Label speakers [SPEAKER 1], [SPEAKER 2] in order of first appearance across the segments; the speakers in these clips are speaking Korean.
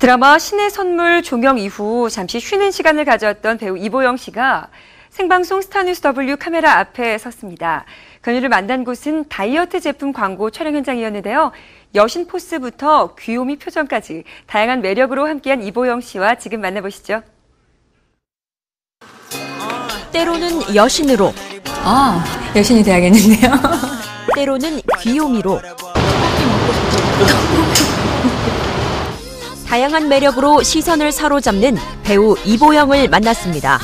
[SPEAKER 1] 드라마 신의 선물 종영 이후 잠시 쉬는 시간을 가졌던 배우 이보영 씨가 생방송 스타뉴스 W 카메라 앞에 섰습니다. 그녀를 만난 곳은 다이어트 제품 광고 촬영 현장이었는데요. 여신 포스부터 귀요미 표정까지 다양한 매력으로 함께한 이보영 씨와 지금 만나보시죠.
[SPEAKER 2] 때로는 여신으로,
[SPEAKER 3] 여신이 돼야겠는데요.
[SPEAKER 2] 때로는 귀요미로, 다양한 매력으로 시선을 사로잡는 배우 이보영을 만났습니다.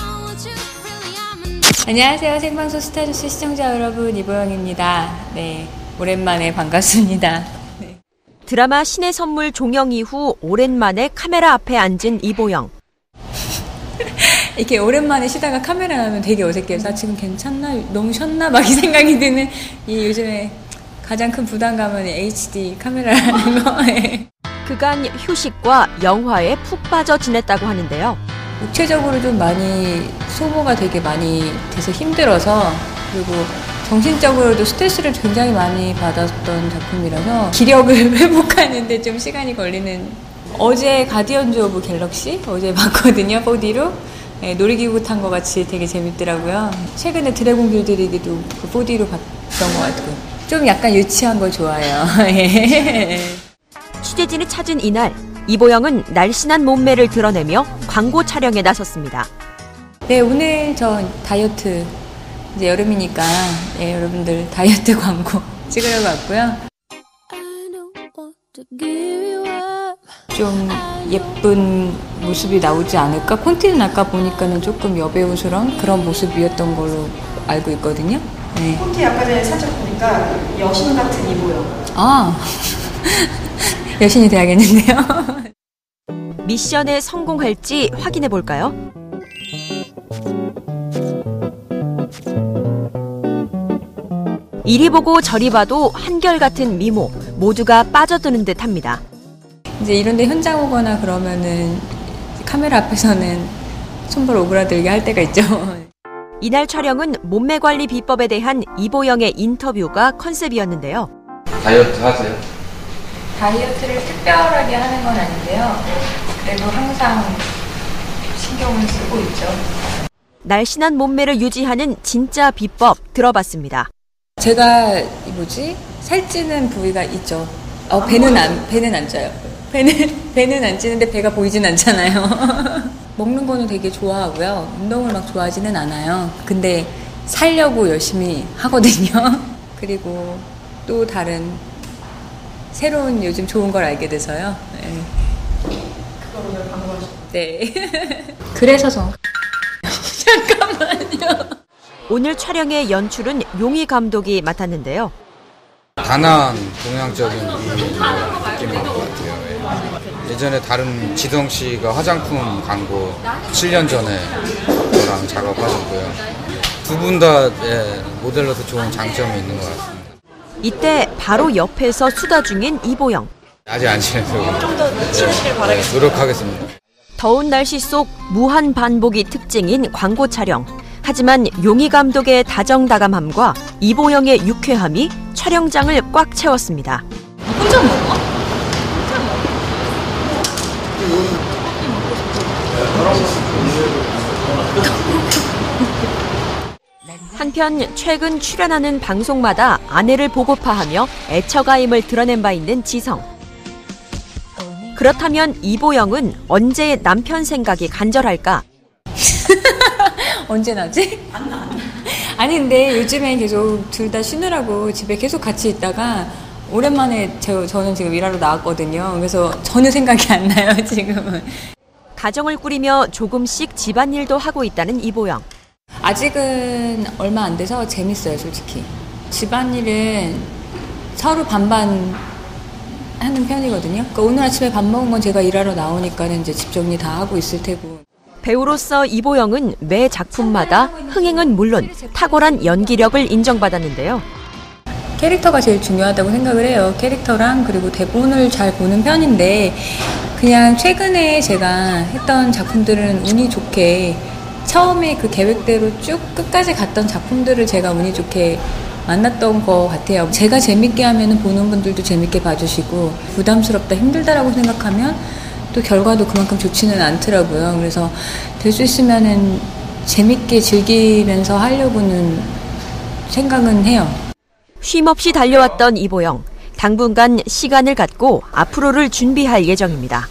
[SPEAKER 3] 안녕하세요. 생방송 스타뉴스 시청자 여러분, 이보영입니다. 네, 오랜만에 반갑습니다. 네.
[SPEAKER 2] 드라마 신의 선물 종영 이후 오랜만에 카메라 앞에 앉은 이보영.
[SPEAKER 3] 이렇게 오랜만에 쉬다가 카메라 나오면 되게 어색해요. 나 지금 괜찮나? 너무 쉬었나? 막 이 생각이 드는 이 요즘에 가장 큰 부담감은 HD 카메라라는 거.
[SPEAKER 2] 그간 휴식과 영화에 푹 빠져 지냈다고 하는데요.
[SPEAKER 3] 육체적으로 좀 많이 소모가 되게 많이 돼서 힘들어서, 그리고 정신적으로도 스트레스를 굉장히 많이 받았던 작품이라서 기력을 회복하는데 좀 시간이 걸리는. 어제 가디언즈 오브 갤럭시 어제 봤거든요. 4D로. 네, 놀이기구 탄 것 같이 되게 재밌더라고요. 최근에 드래곤 길들이기도 그 4D로 봤던 것 같고, 좀 약간 유치한 거 좋아해요.
[SPEAKER 2] 취재진이 찾은 이날, 이보영은 날씬한 몸매를 드러내며 광고 촬영에 나섰습니다.
[SPEAKER 3] 네, 오늘 저 다이어트, 이제 여름이니까 여러분들 다이어트 광고 찍으려고 왔고요. 좀 예쁜 모습이 나오지 않을까? 콘티는 아까 보니까는 조금 여배우스러운 그런 모습이었던 걸로 알고 있거든요. 네.
[SPEAKER 1] 콘티 아까 전에 살짝 보니까 여신 같은 이보영.
[SPEAKER 3] 여신이 돼야겠는데요.
[SPEAKER 2] 미션에 성공할지 확인해 볼까요? 이리 보고 저리 봐도 한결같은 미모, 모두가 빠져드는 듯합니다.
[SPEAKER 3] 이제 이런데 현장 오거나 그러면은 카메라 앞에서는 손발 오그라들게 할 때가 있죠.
[SPEAKER 2] 이날 촬영은 몸매 관리 비법에 대한 이보영의 인터뷰가 컨셉이었는데요.
[SPEAKER 4] 다이어트 하세요?
[SPEAKER 3] 다이어트를 특별하게 하는 건 아닌데요. 그래도 항상 신경을 쓰고 있죠.
[SPEAKER 2] 날씬한 몸매를 유지하는 진짜 비법 들어봤습니다.
[SPEAKER 3] 제가 살찌는 부위가 있죠. 배는 안 쪄요. 배는 안 찌는데 배가 보이진 않잖아요. 먹는 거는 되게 좋아하고요. 운동을 막 좋아하지는 않아요. 근데 살려고 열심히 하거든요. 그리고 또 다른 새로운 요즘 좋은 걸 알게 돼서요. 네.
[SPEAKER 1] 그거 오늘 방송하셨죠?
[SPEAKER 3] 네. 그래서 잠깐만요.
[SPEAKER 2] 오늘 촬영의 연출은 용희 감독이 맡았는데요.
[SPEAKER 4] 단아한 동양적인 느낌인 것 같아요. 예전에 다른 지성 씨가 화장품 광고 7년 전에 저랑 작업하셨고요. 두 분 다 모델로서 좋은 장점이 있는 것 같습니다.
[SPEAKER 2] 이때 바로 옆에서 수다 중인 이보영.
[SPEAKER 4] 아직 안 친해서
[SPEAKER 1] 좀 더 친해지길 바라겠습니다.
[SPEAKER 4] 노력하겠습니다.
[SPEAKER 2] 더운 날씨 속 무한 반복이 특징인 광고 촬영. 하지만 용희 감독의 다정다감함과 이보영의 유쾌함이 촬영장을 꽉 채웠습니다.
[SPEAKER 3] 혼자 먹어?
[SPEAKER 2] 한편 최근 출연하는 방송마다 아내를 보고파하며 애처가임을 드러낸 바 있는 지성. 그렇다면 이보영은 언제 남편 생각이 간절할까?
[SPEAKER 3] 언제 나지? 아니 근데 요즘에 계속 둘 다 쉬느라고 집에 계속 같이 있다가 오랜만에 저는 지금 일하러 나왔거든요. 그래서 전혀 생각이 안 나요, 지금은.
[SPEAKER 2] 가정을 꾸리며 조금씩 집안일도 하고 있다는 이보영.
[SPEAKER 3] 아직은 얼마 안 돼서 재밌어요, 솔직히. 집안일은 서로 반반 하는 편이거든요. 그러니까 오늘 아침에 밥 먹은 건 제가 일하러 나오니까는 이제 집 정리 다 하고 있을 테고.
[SPEAKER 2] 배우로서 이보영은 매 작품마다 흥행은 물론 탁월한 연기력을 인정받았는데요.
[SPEAKER 3] 캐릭터가 제일 중요하다고 생각을 해요. 캐릭터랑 그리고 대본을 잘 보는 편인데, 그냥 최근에 제가 했던 작품들은 운이 좋게 처음에 그 계획대로 쭉 끝까지 갔던 작품들을 제가 운이 좋게 만났던 것 같아요. 제가 재밌게 하면 보는 분들도 재밌게 봐주시고, 부담스럽다, 힘들다라고 생각하면 또 결과도 그만큼 좋지는 않더라고요. 그래서 될 수 있으면은 재밌게 즐기면서 하려고는 생각은 해요.
[SPEAKER 2] 쉼없이 달려왔던 이보영. 당분간 시간을 갖고 앞으로를 준비할 예정입니다.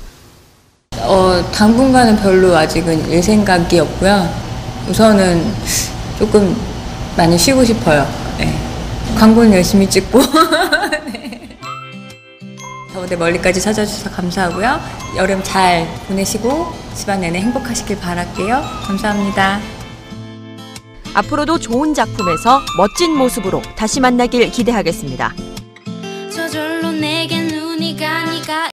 [SPEAKER 3] 당분간은 별로 아직은 일 생각이 없고요. 우선은 조금 많이 쉬고 싶어요. 네. 광고는 열심히 찍고. 네. 더운데 멀리까지 찾아주셔서 감사하고요. 여름 잘 보내시고 집안 내내 행복하시길 바랄게요. 감사합니다.
[SPEAKER 2] 앞으로도 좋은 작품에서 멋진 모습으로 다시 만나길 기대하겠습니다.
[SPEAKER 5] 저절로 내게 눈이 가니까